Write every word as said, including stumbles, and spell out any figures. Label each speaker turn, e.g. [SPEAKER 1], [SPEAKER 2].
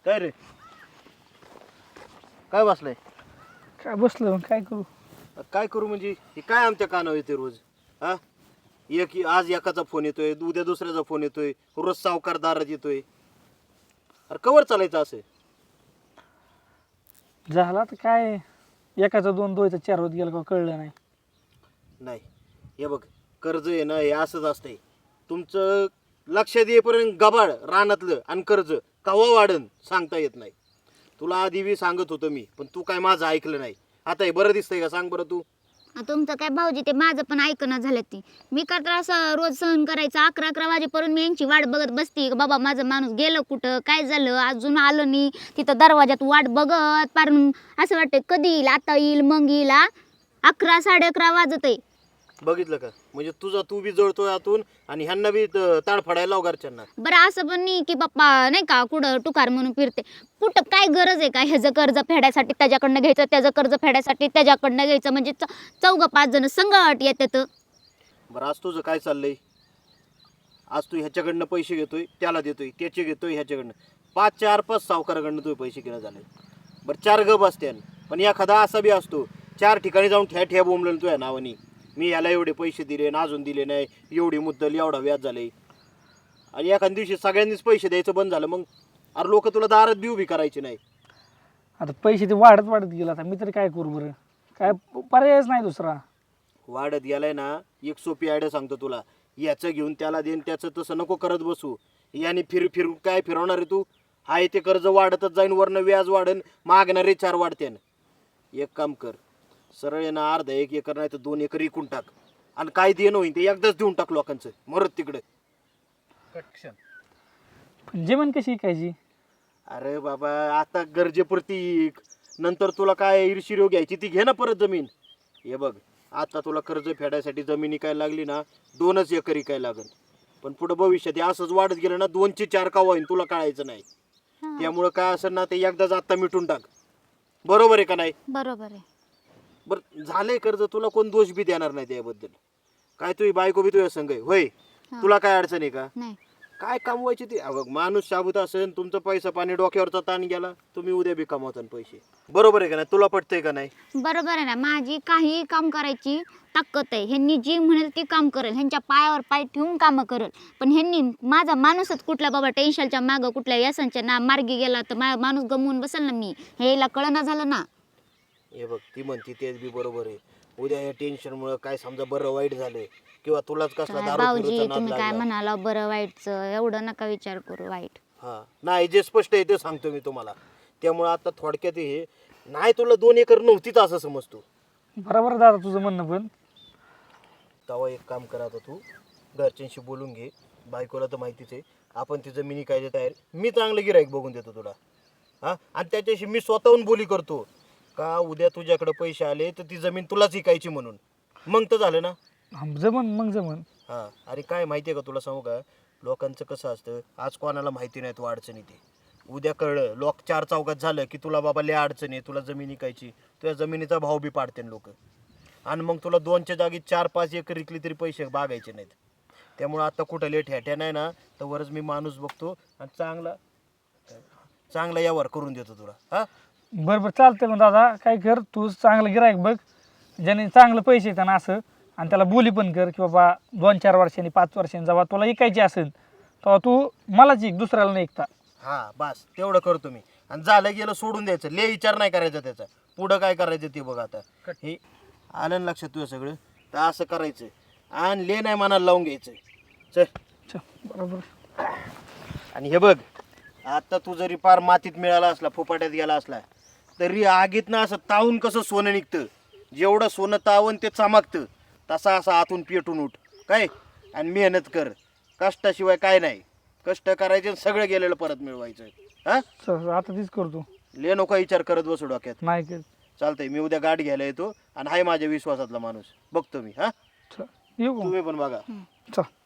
[SPEAKER 1] काय रे काय बसलाय?
[SPEAKER 2] काय बसलो काय करू.
[SPEAKER 1] काय करू म्हणजे हे काय आमच्या कानावर येते रोज? हा एक आज एकाचा फोन येतोय, उद्या दुसऱ्याचा फोन येतोय, रोज सावकार दारात येतोय. अरे कवर चालायचं असं?
[SPEAKER 2] झाला तर काय एकाचा दोन दोयचा चार होत गेला का कळलं नाही.
[SPEAKER 1] नाही हे बघ, कर्ज आहे ना हे असंच असतंय. तुमचं लक्षात येईपर्यंत गबाळ रानातलं आणि कर्ज कवा वाढन सांगता येत नाही. तुला आधी बी सांगत होतो मी, पण तू काय माझं ऐकलं नाही. आता हे बरं दिसतंय का सांग बरं तू?
[SPEAKER 3] तुमचं काय भाऊजी ते माझं पण ऐकणं झालं ती. मी का तर असं रोज सहन करायचं अकरा अकरा वाजेपर्यंत मी यांची वाट बघत बसती. बाबा माझं माणूस गेलं कुठं, काय झालं, अजून आलं नाही. तिथं दरवाजात वाट बघत पार असं वाटतं कधी येईल, आता येईल मग येईल. अकरा साडे अकरा वाजत आहे.
[SPEAKER 1] बघितलं का? म्हणजे तुझा तू बी जळतोय आतून आणि ह्यांना बी ताड फडायला लाव घरच्यांना.
[SPEAKER 3] बरं असं पण नाही की बाप्पा नाही का कुठं टुकार म्हणून फिरते. कुठं काय गरज आहे का ह्याचं कर्ज फेडायसाठी त्याच्याकडनं घ्यायचं, त्याचं कर्ज फेडायसाठी त्याच्याकडनं घ्यायचं, म्हणजे चौघ पाच जण संगट येतात.
[SPEAKER 1] बरं आज तुझं काय चाललंय? आज तू ह्याच्याकडनं पैसे घेतोय त्याला देतोय, त्याचे घेतोय ह्याच्याकडनं. पाच चार पाच सावकाराकडनं तुझे पैसे घेणं झाले. बरं चार गप असते, पण एखादा असा बी असतो चार ठिकाणी जाऊन ठ्या ठ्या बोंबलं तुझ्या नावानी. मी याला एवढे पैसे दिले ना अजून दिले नाही, एवढी मुद्दल एवढा व्याज झाले. आणि एखाद्या दिवशी सगळ्यांनीच पैसे द्यायचं बंद झालं, मग अरे लोक तुला दारात बी उभी करायची नाही.
[SPEAKER 2] आता पैसे ते वाढत वाढत गेला. आता मी तरी काय करू बरं, काय पर्यायच नाही दुसरा.
[SPEAKER 1] वाढत गेलाय ना, एक सोपी आयडिया सांगतो तुला. याचं घेऊन त्याला देईन, त्याचं तसं नको करत बसू. याने फिर फिर काय फिरवणार आहे तू? हाय ते कर्ज वाढतच जाईन, वरनं व्याज वाढन, मागणारे चार वाढतेन. एक काम कर, सरळ आहे ना अर्धा एक एकर नाही तर दोन एकर विकून टाक आणि काय देणं होईन ते एकदाच देऊन टाक लोकांचं, मरत तिकडे.
[SPEAKER 2] पण जेवण कशी ऐकायची?
[SPEAKER 1] अरे बाबा आता गरजेपुरती इक. नंतर तुला काय ईर्षिरो घ्यायची ती घे ना परत जमीन. हे बघ आता तुला कर्ज फेडायसाठी जमीन इकायला लागली ना दोनच एकर इकायला लागल. पण पुढे भविष्यात हे असंच वाढत गेलं ना दोनचे चार का होईन तुला कळायचं नाही. त्यामुळं काय असेल ना ते एकदाच आता मिटून टाक. बरोबर आहे का नाही?
[SPEAKER 3] बरोबर आहे.
[SPEAKER 1] बरं झालंय कर्ज, तुला कोण दोष बी देणार नाही त्याबद्दल. काय तुझी बायको बी तुझ्या संग आहे होय? तुला काय अडचण आहे का?
[SPEAKER 3] नाही
[SPEAKER 1] काय कमवायची ती? अगं माणूस शाबूत असेल, तुमचं पैसा पाणी डोक्यावरचा ताण गेला, तुम्ही उद्या बी कमावता पैसे. बरोबर आहे का नाही? तुला पटतंय का नाही?
[SPEAKER 3] बरोबर आहे ना. माझी काही काम करायची ताकद आहे. ह्यांनी जी म्हणेल ती काम करेल, ह्यांच्या पायावर पाय ठेवून कामं करेल. पण ह्यांनी माझा माणूसच कुठला बाबा टेन्शनच्या मागं कुठल्या व्यसनच्या ना मार्गी गेला तर मा माणूस गमवून बसेल ना मी. हे याला कळना झालं ना.
[SPEAKER 1] हे बघ ती म्हणती तेच बी बरोबर आहे. उद्या या टेन्शनमुळे काय समजा बरं वाईट झालं किंवा तुलाच कसला
[SPEAKER 3] काय
[SPEAKER 1] दारू
[SPEAKER 3] भाऊजी
[SPEAKER 1] पिऊचा नाद
[SPEAKER 3] तुम्ही काय
[SPEAKER 1] लागला.
[SPEAKER 3] म्हणाला बरं वाईटचं, एवढं नका विचार करू वाईट.
[SPEAKER 1] हा नाही जे स्पष्ट आहे ते सांगतो मी तुम्हाला. त्यामुळे आता थोडक्यात हे नाही, तुला दोन एकर नव्हतीच असं समजतो.
[SPEAKER 2] बरोबर दादा तुझं म्हणणं. पण
[SPEAKER 1] तेव्हा एक काम करा, आता तू घरच्यांशी बोलून घे. बायकोला तर माहितीच आहे आपण ती जमिनी काय तयार. मी चांगलं गिराईक बघून देतो तुला. हा आणि त्याच्याशी मी स्वतःहून बोली करतो का उद्या तुझ्याकडे पैसे आले तर ती जमीन तुलाच विकायची म्हणून. मग तर झालं ना.
[SPEAKER 2] जमन मग जमन.
[SPEAKER 1] हां अरे काय माहिती आहे का तुला सांगू का, लोकांचं कसं असतं आज कोणाला माहिती नाही तू अडचणी ते. उद्या कळलं लोक चार चौकात झालं की तुला बाबा लय अडचणी आहे, तुला जमीन विकायची, तुझ्या जमिनीचा भाव बी पाडते लोक. आणि मग तुला दोनच्या जागी चार पाच एकर विकली तरी पैसे बागायचे नाहीत. त्यामुळं आता कुठं लेट ह्याट्या नाही ना तर वरच मी माणूस बघतो आणि चांगला चांगला यावर करून देतो तुला. हां
[SPEAKER 2] बरं बरं चालतंय. मग दादा काय कर, तू चांगलं गिरायक बघ ज्याने चांगलं पैसे येतात ना असं, आणि त्याला बोली पण कर की बाबा दोन चार वर्षांनी पाच वर्षांनी जेव्हा तुला ऐकायची असेल तेव्हा तू मलाच ऐक, दुसऱ्याला नाही ऐकता.
[SPEAKER 1] हां बस तेवढं करतो मी. आणि झालं गेलं सोडून द्यायचं, ले विचार नाही करायचा त्याचा. पुढं काय करायचं ते बघ. आता हे आलं ना लक्षात तुझं सगळं, तर असं करायचं आणि ले नाही मनाला लावून घ्यायचं. चल
[SPEAKER 2] चल बरोबर.
[SPEAKER 1] आणि हे बघ आता तू जरी पार मातीत मिळाला असला, फुपाट्यात गेला असला तरी आगीत ना असं तावून कसं सोनं निघतं, जेवढं सोनं तावून ते चमकतं तसा असं आतून पेटून उठ काय. आणि मेहनत कर, कष्टाशिवाय काय नाही. कष्ट करायचे सगळं गेलेलं परत मिळवायचं. हां
[SPEAKER 2] चल आता तीच करतो.
[SPEAKER 1] ले नको विचार करत बसू डोक्यात.
[SPEAKER 2] नाही कर.
[SPEAKER 1] चालतंय मी उद्या गाडी घ्यायला येतो आणि हाय माझ्या विश्वासातला माणूस बघतो मी. हां
[SPEAKER 2] चल येऊ का?
[SPEAKER 1] तुम्ही पण बघा.
[SPEAKER 2] चल.